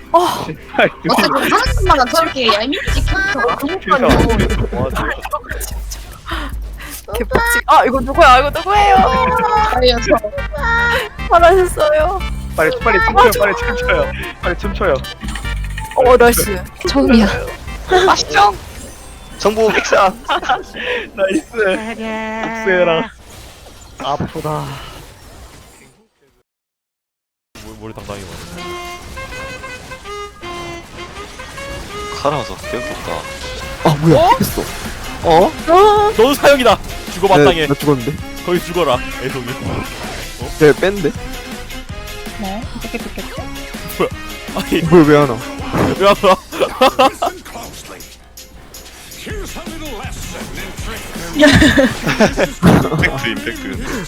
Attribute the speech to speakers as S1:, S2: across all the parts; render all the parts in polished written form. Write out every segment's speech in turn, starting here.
S1: 어째 그 사람마다 저렇게 얄밉지
S2: 그니까요.
S3: 개빡치. 아 이거 누구야? 이거 누구예요?
S1: 알려서
S3: 잘하셨어요.
S2: 빨리 춤춰요. 빨리 춤춰요. 빨리 춤춰요.
S3: 나이스.
S4: 처음이야.
S5: 아시죠? 정보 백상.
S2: 나이스. 복수해라. 아프다.
S6: 머리 당당히 맞네.
S5: 살아서 깨끗다.
S7: 아 뭐야 했어. 어?
S6: 넌 사형이다. 죽어 마땅해.
S7: 나 죽었는데.
S6: 거기 죽어라. 애송이.
S7: 쟤 뺀데?
S3: 네. 어떻게 됐겠지?
S6: 아니
S7: 뭘 왜 하나?
S6: 왜 하나?
S5: 임팩트 임팩트.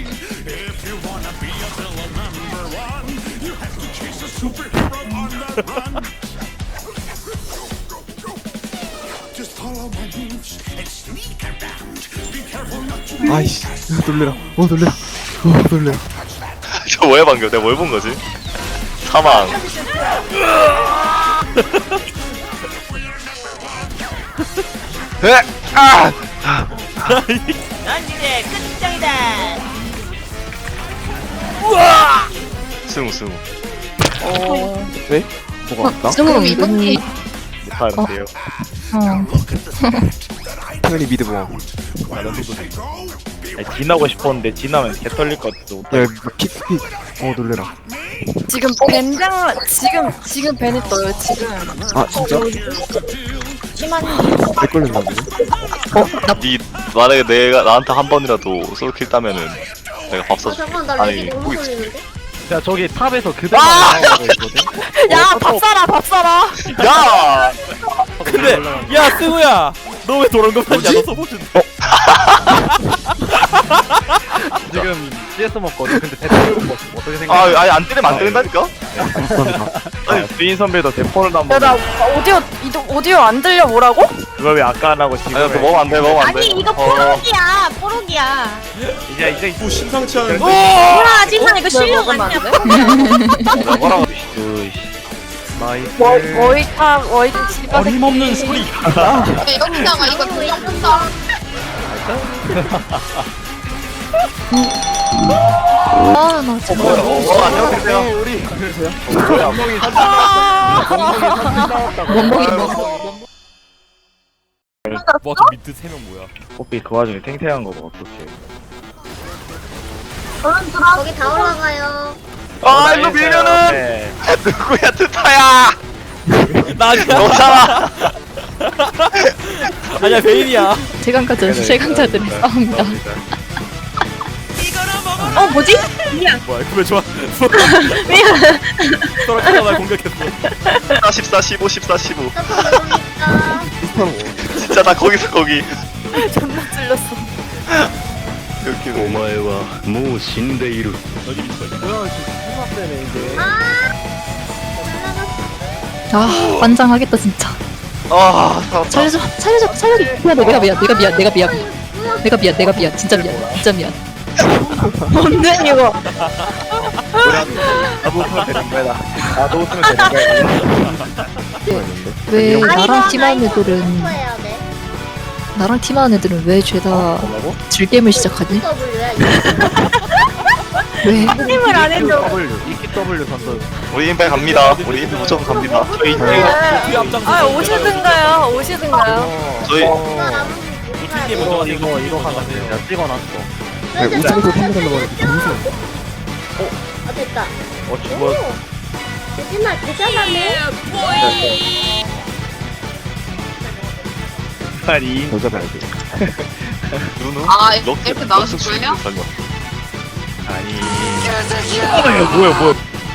S7: 아이씨 놀래라. 놀래라. 놀래라.
S5: 저 뭐야 방금? 내가 뭘 본 거지? 사망. 에! 아!
S8: 넌 이제 끝장이다.
S5: 승우.
S7: 네? 뭐가 나?
S4: 승우 이분이
S2: 못하는데요.
S7: 당연히 미드 모함.
S2: 아니, 진하고 싶었는데 진하면 개 털릴 것 같아.
S7: 야 킥. 놀래라.
S3: 지금 지금 벤이 떠요. 지금.
S7: 아 진짜? 내 걸렸나 보네.
S5: 니 만약에 내가 나한테 한 번이라도 솔킬 따면은 내가 밥 사줄게.
S1: 잠깐 나
S5: 아니
S1: 렉이 너무
S5: 고기
S1: 걸리는데?
S2: 야 저기 탑에서 그대로 나오고 있거든.
S3: 야, 밥 사라.
S6: 야! 근데 야 승우야, 너 왜 도란 거 봤냐? 너 써보신.
S2: 지금 CS 먹거든. 근데 대포를 먹었어. 어떻게 생각해?
S5: 아니 안 때리면 안 때린다니까?
S2: 아니 주인 선배도 대포를 안
S3: 야, 나
S2: 먹어.
S3: 오디오 안 들려 뭐라고?
S2: 그걸 왜 아까 안 하고 지금?
S5: 아니 그거 먹으면 안 돼. 먹으면 안 돼.
S1: 아니 이거 뽀록이야.
S2: 이제
S6: 심상치 않은.
S1: 뭐야 지금 이거 실력 아니야?
S5: 뭐라고?
S2: 나이스.
S3: 워이드 집안
S6: 어림없는 소리.
S1: 여기다가 이거 그냥 본다.
S4: 아나 진짜
S5: 안녕하세요.
S2: 우리
S4: 멍멍이 먹어.
S6: 와저 밑에 3명 뭐야?
S2: 뽀삐 그 와중에 탱탱한 거 봐. 어떡해.
S1: 거기 다 올라가요.
S5: 아 일로 밀면은
S2: 네.
S5: 누구야 트타야?
S6: 나냐?
S5: 너잖아.
S6: 아니야 베인이야.
S4: 최강자들의 싸움이다.
S3: 뭐지?
S6: 뭐야 그왜 좋아? 소라카가 날 공격했어.
S5: 14, 15, 14, 15.
S1: 그러니까
S5: 진짜 나 거기서 거기.
S3: 존나 찔렸어.
S5: 이렇게.
S9: お前はもう死んでいる。
S6: 여기 있어.
S2: 뭐야 지금 수납 때문에 이제.
S4: 아 환장하겠다 진짜.
S5: 아 살았다.
S4: 살려줘. 미안 내가 미안 진짜 미안.
S3: 뭔데 이거?
S2: 나도 웃으면 되는 거야. 나도 웃으면 되는 거야.
S4: 왜 나랑 팀하는 애들은 왜 죄다
S2: 뭐라고?
S4: 즐겜을 시작하지? 왜?
S3: 힘을 안 해줘.
S2: W, EW 선수.
S5: 우리 인백 갑니다. 우리 인백 무조건 갑니다. 저희
S6: 뒤에 앞장서.
S3: 오시든가요.
S5: 저희
S6: 우측에 먼저
S2: 이거 하나 내가 찍어놨어.
S7: 우승에서 판단하려고 하는데 무슨?
S1: 아 됐다.
S2: 죽어.
S1: 거짓말 대단하네.
S2: 아니.
S7: 더 잡아야 돼.
S5: 누누?
S1: 아,
S5: 럭스,
S1: 이렇게 나오실
S5: 럭스
S1: 거예요?
S5: 설마.
S2: 아니. 뭐야.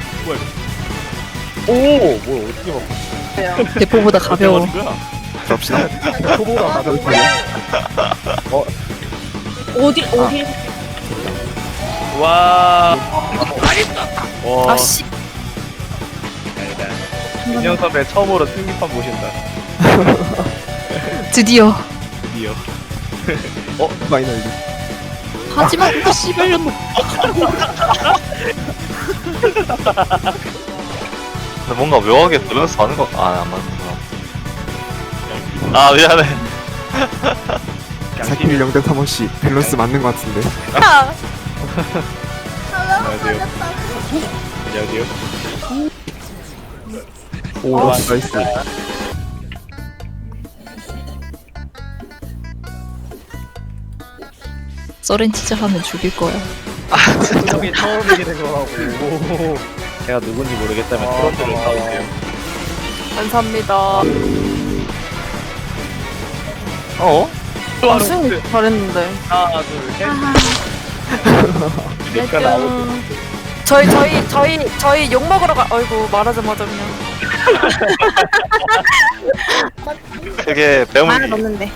S2: 오, 뭐야 어떻게 막
S4: 대포보다 가벼워.
S6: 어디 거야?
S7: 갑시다.
S2: 초보가 가볍게.
S3: 어디?
S2: 와. 와.
S3: 아씨.
S2: 민영 선배 처음으로 승리판 보신다.
S4: 드디어.
S7: 마이너리.
S4: 하지만 씨발년
S5: 근데 뭔가 묘하게 밸런스 맞는 거, 안 맞는구나. 아, 미안해.
S7: 사키미 0.3원씩 밸런스 맞는 것 같은데.
S2: 안녕하세요.
S7: 오 나이스.
S4: 서렌티즈 하면 죽일 거야.
S2: 형이 처음이게 된 거라고. 제가 누군지 모르겠다면 트런드를 사오세요.
S3: 감사합니다.
S5: 어?
S3: 아, 승 잘했는데.
S2: 하나, 둘, 셋. 내가 나오고.
S3: 저희 욕 먹으러 어이구, 말하자마자 그냥.
S5: 그게
S3: 말
S5: 배문이.
S3: 넣는데.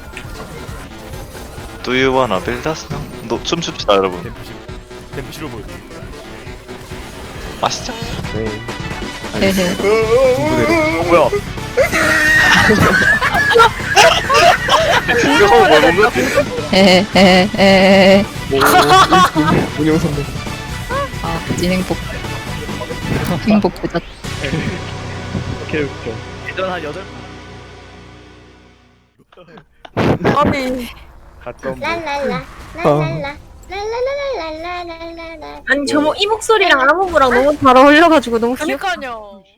S5: Do you wanna build us now? 너 춤춥시다, 여러분.
S6: 댐프 싫어 보여.
S5: 아시죠?
S7: 네.
S4: 헤헤.
S7: 중부대로.
S2: 뭐야?
S5: 이거 뭐 먹는 거지?
S4: 헤헤헤헤.
S7: 운영 선배.
S4: 아, 진행복. 행복 부자.
S2: 오케이, 오케이. 예전 한 8.
S3: 아니.
S2: 가끔.
S1: 랄랄라 랄랄라 랄랄라랄랄라랄랄라.
S3: 아니, 이 목소리랑 아무무랑 너무 잘 어울려가지고 너무 귀엽. 그러니까요.